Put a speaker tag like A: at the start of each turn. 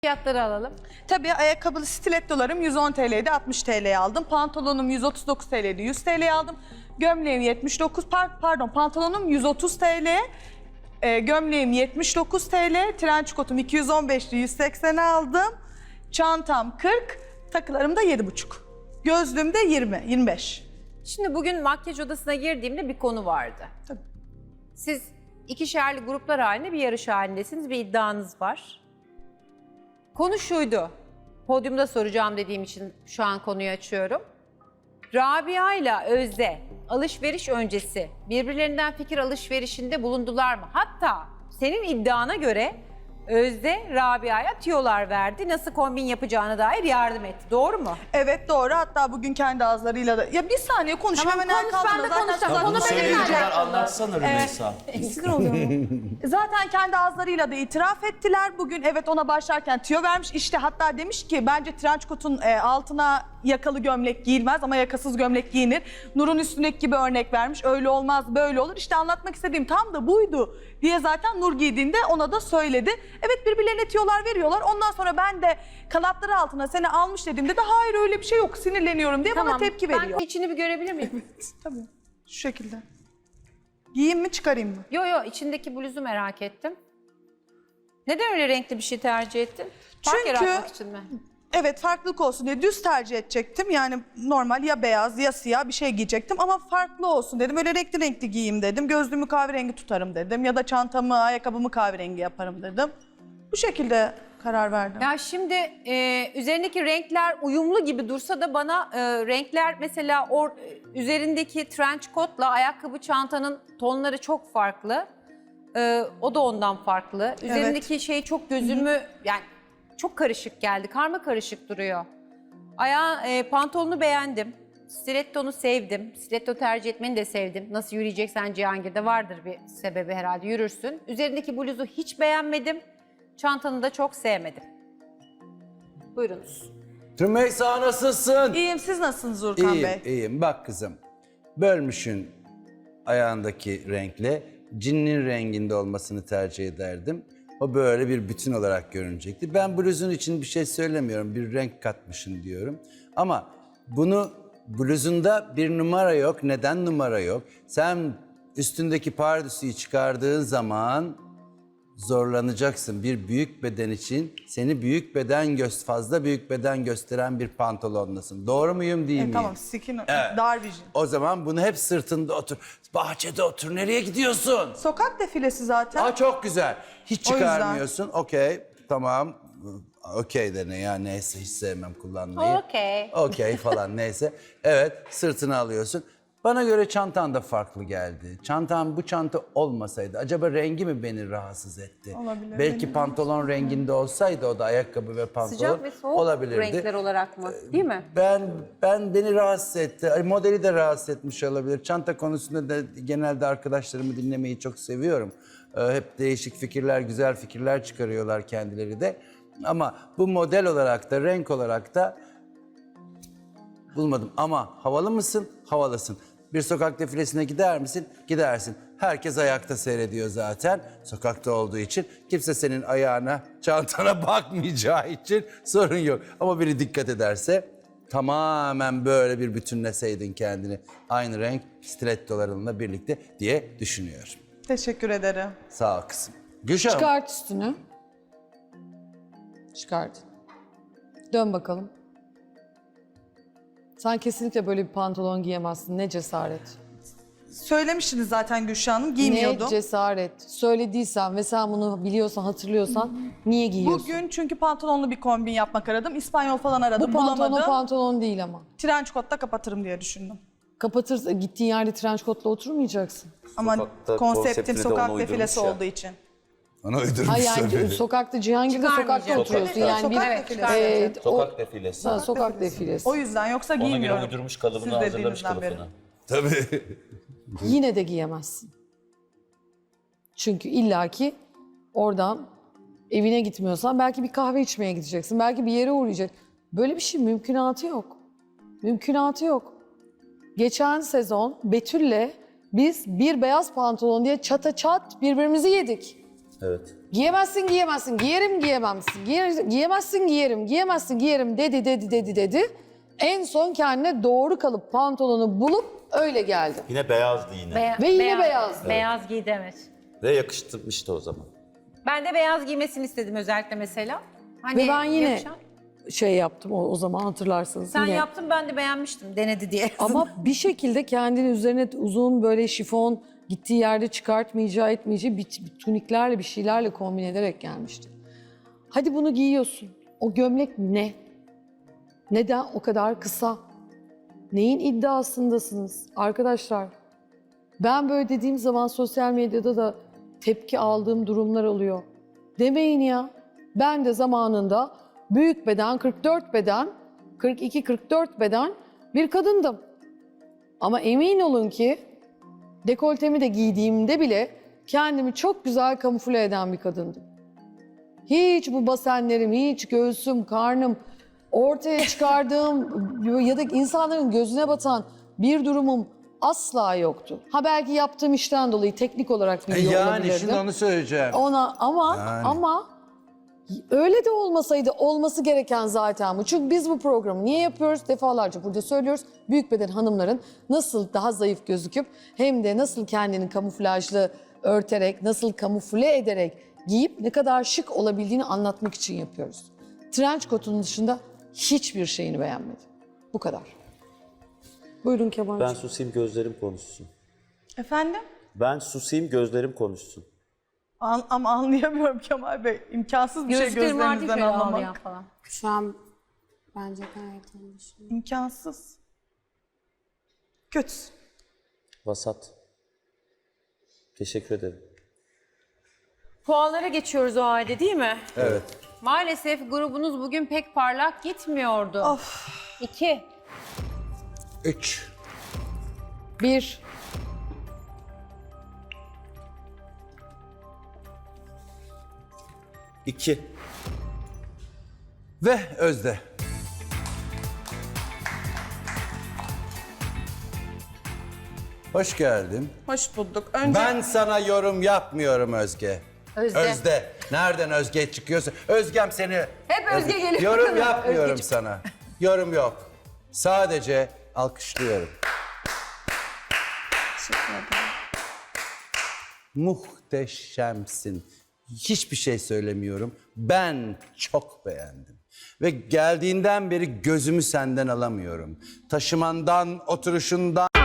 A: Fiyatları alalım.
B: Tabii ayakkabılı stilettolarım 110 TL'ydi, 60 TL'ye aldım. Pantolonum 139 TL'ydi, 100 TL'ye aldım. Gömleğim 79, pantolonum 130 TL. Gömleğim 79 TL, trenç kotum 215'ti, 180'e aldım. Çantam 40, takılarım da 7,5. Gözlüğüm de 20, 25.
A: Şimdi bugün makyaj odasına girdiğimde bir konu vardı.
B: Tabii.
A: Siz ikişerli gruplar halinde bir yarış halindesiniz, bir iddianız var. Konu şuydu, podyumda soracağım dediğim için şu an konuyu açıyorum. Rabia ile Özde alışveriş öncesi birbirlerinden fikir alışverişinde bulundular mı? Hatta senin iddiana göre Özde Rabia'ya tüyolar verdi, nasıl kombin yapacağına dair yardım etti. Doğru mu?
B: Evet doğru, hatta bugün kendi ağızlarıyla da... Ya bir saniye konuşayım,
A: Tamam,
B: hemen
A: konuş,
B: kalkmadan
A: ben de
B: zaten-
A: konuşacağım.
B: Zaten-
A: Onu
C: Bunu
A: benim
C: söyleyince
A: alakalı.
C: anlatsana Rümeysa.
B: Sinir oluyorum. Zaten kendi ağızlarıyla da itiraf ettiler. Bugün evet ona başlarken tüyo vermiş. İşte hatta demiş ki bence trenç kotun altına yakalı gömlek giyilmez ama yakasız gömlek giyinir. Nur'un üstündeki gibi örnek vermiş. Öyle olmaz, böyle olur. İşte anlatmak istediğim tam da buydu diye zaten Nur giydiğinde ona da söyledi. Evet, birbirlerine tüyolar veriyorlar. Ondan sonra ben de kanatları altına seni almış dediğimde de hayır öyle bir şey yok, sinirleniyorum diye bana tepki veriyor.
A: Ben içini bir görebilir miyim?
B: Tabii şu şekilde. Giyeyim mi çıkarayım mı?
A: Yo, içindeki bluzu merak ettim. Neden öyle renkli bir şey tercih ettin? Fark
B: Çünkü-
A: yaratmak için mi?
B: Evet, farklılık olsun diye düz tercih edecektim. Yani normal ya beyaz ya siyah bir şey giyecektim ama farklı olsun dedim. Öyle renkli renkli giyeyim dedim. Gözlüğümü kahverengi tutarım dedim. Ya da çantamı, ayakkabımı kahverengi yaparım dedim. Bu şekilde karar verdim.
A: Ya şimdi üzerindeki renkler uyumlu gibi dursa da bana renkler mesela üzerindeki trench coat'la ayakkabı çantanın tonları çok farklı. O da ondan farklı. Üzerindeki şey çok gözümü yani çok karışık geldi. Karma karışık duruyor. Pantolonu beğendim. Stilettonu sevdim. Stiletto tercih etmeni de sevdim. Nasıl yürüyeceksen Cihangir'de vardır bir sebebi herhalde, yürürsün. Üzerindeki bluzu hiç beğenmedim. Çantanı da çok sevmedim. Buyurunuz.
C: Rümeysa nasılsın?
B: İyiyim, siz nasılsınız Urkan
C: İyiyim,
B: Bey?
C: iyiyim. Bak kızım, bölmüşün ayağındaki renkle cinnin renginde olmasını tercih ederdim. O böyle bir bütün olarak görünecekti. Ben bluzun için bir şey söylemiyorum, bir renk katmışın diyorum. Ama bunu bluzunda bir numara yok. Neden numara yok? Sen üstündeki pardösüyü çıkardığın zaman zorlanacaksın. Bir büyük beden için seni fazla büyük beden gösteren bir pantolonlasın. Doğru muyum değil miyim?
B: Tamam, skin,
C: Evet.
B: dar vision.
C: O zaman bunu hep sırtında otur. Bahçede otur. Nereye gidiyorsun?
B: Sokak defilesi zaten.
C: Aa, çok güzel. Hiç
B: O yüzden.
C: çıkarmıyorsun. Okey. Tamam. Okey de ne ya, neyse, hiç sevmem kullanmayı.
A: Okey.
C: Okey falan neyse. Evet, sırtını alıyorsun. Bana göre çantan da farklı geldi. Bu çanta olmasaydı acaba rengi mi beni rahatsız etti?
B: Olabilir,
C: Belki pantolon renginde olsaydı o da ayakkabı ve pantolon
A: Sıcak ve soğuk
C: olabilirdi.
A: renkler olarak mı? Değil mi?
C: Beni rahatsız etti. Modeli de rahatsız etmiş olabilir. Çanta konusunda da genelde arkadaşlarımı dinlemeyi çok seviyorum. Hep değişik fikirler, güzel fikirler çıkarıyorlar kendileri de. Ama bu model olarak da, renk olarak da bulmadım. Ama havalı mısın? Havalısın. Bir sokak defilesine gider misin? Gidersin. Herkes ayakta seyrediyor zaten. Sokakta olduğu için kimse senin ayağına, çantana bakmayacağı için sorun yok. Ama biri dikkat ederse tamamen böyle bir bütünleseydin kendini. Aynı renk stilettolarınla birlikte diye düşünüyorum.
B: Teşekkür ederim.
C: Sağ ol kızım. Gülşah Hanım.
D: Çıkart üstünü. Çıkart. Dön bakalım. Sen kesinlikle böyle bir pantolon giyemezsin. Ne cesaret.
B: Söylemiştiniz zaten Gülşah Hanım, giymiyordum.
D: Ne cesaret. Söylediysen ve sen bunu biliyorsan, hatırlıyorsan niye giyiyorsun?
B: Bugün çünkü pantolonlu bir kombin yapmak aradım. İspanyol falan aradım,
D: Bu pantolon
B: bulamadım.
D: pantolon değil ama.
B: Trenç kotla kapatırım diye düşündüm.
D: Kapatırsa gittiğin yerde trench coat'la oturmayacaksın.
B: Ama
E: Sokakta
B: konseptim
E: konseptini de
B: sokak
E: ona
B: defilesi
E: uydurmuş ya.
B: olduğu için.
C: Ona uydurmuş
D: Hayır yani
C: tabii.
D: sokakta, Cihangir'de sokakta
A: Çıkarmayacağım.
D: oturuyorsun.
B: Evet,
D: Yani
B: sokak
D: bir
B: defilesi.
E: Sokak defilesi.
D: sokak defilesi.
B: O yüzden, yoksa
E: Ona göre
B: giymiyorum.
E: uydurmuş
B: Siz
E: kalıbını hazırlamış
B: dediğinizden beri.
E: kılıfını.
C: Tabii.
D: Yine de giyemezsin. Çünkü illaki oradan evine gitmiyorsan belki bir kahve içmeye gideceksin. Belki bir yere uğrayacak. Böyle bir şey mümkünatı yok. Mümkünatı yok. Geçen sezon Betül'le biz bir beyaz pantolon diye çata çat birbirimizi yedik.
E: Evet.
D: Giyemezsin, giyemezsin, giyerim, giyemezsin, giyemezsin, giyerim, giyemezsin, giyerim dedi. En son kendine doğru kalıp pantolonu bulup öyle geldi.
E: Yine beyazdı yine.
D: Ve yine beyazdı.
A: Beyaz giydi, evet.
E: Ve yakıştırmıştı o zaman.
A: Ben de beyaz giymesini istedim özellikle mesela. Hani
D: Ve ben yine
A: yakışan.
D: şey yaptım o zaman hatırlarsınız.
A: Sen
D: yine.
A: yaptın, ben de beğenmiştim, denedi diye.
D: Ama bir şekilde kendini üzerine uzun böyle şifon gittiği yerde çıkartmayacağı etmeyeceği bir tuniklerle bir şeylerle kombin ederek gelmişti. Hadi bunu giyiyorsun. O gömlek ne? Neden o kadar kısa? Neyin iddiasındasınız arkadaşlar? Ben böyle dediğim zaman sosyal medyada da tepki aldığım durumlar oluyor. Demeyin ya. Ben de zamanında büyük beden, 44 beden, 42-44 beden bir kadındım. Ama emin olun ki dekoltemi de giydiğimde bile kendimi çok güzel kamufle eden bir kadındım. Hiç bu basenlerim, hiç göğsüm, karnım, ortaya çıkardığım ya da insanların gözüne batan bir durumum asla yoktu. Ha belki yaptığım işten dolayı teknik olarak biliyor
C: Yani
D: olabilirdim.
C: şimdi onu söyleyeceğim.
D: Ona ama öyle de olmasaydı olması gereken zaten bu. Çünkü biz bu programı niye yapıyoruz? Defalarca burada söylüyoruz. Büyük beden hanımların nasıl daha zayıf gözüküp hem de nasıl kendini kamuflajlı örterek, nasıl kamufle ederek giyip ne kadar şık olabildiğini anlatmak için yapıyoruz. Trench coat'un dışında hiçbir şeyini beğenmedim. Bu kadar. Buyurun Kemal'cığım.
E: Ben susayım gözlerim konuşsun.
B: Efendim?
E: Ben susayım gözlerim konuşsun.
B: Ama anlayamıyorum Kemal Bey. İmkansız bir şey
A: Gözlüklerim vardı
B: gözlerinizden
A: şöyle ağlayan
B: anlamak.
A: falan.
F: Şu an bence gayet anlaşılıyor.
B: İmkansız. Kötü.
E: Vasat. Teşekkür ederim.
A: Puanlara geçiyoruz o halde, değil mi?
C: Evet.
A: Maalesef grubunuz bugün pek parlak gitmiyordu. 2.
C: 3.
D: 1.
E: İki.
C: Ve Özde. Hoş geldin.
B: Hoş bulduk. Önce
C: Ben sana yorum yapmıyorum Özge.
A: Özde.
C: Özde. Nereden Özge çıkıyorsa. Özgem seni...
A: Hep Özge geliyor.
C: Yorum yapmıyorum
A: Özgeciğim.
C: sana. Yorum yok. Sadece alkışlıyorum.
F: Teşekkür ederim.
C: Muhteşemsin. Hiçbir şey söylemiyorum. Ben çok beğendim. Ve geldiğinden beri gözümü senden alamıyorum. Taşımandan, oturuşundan...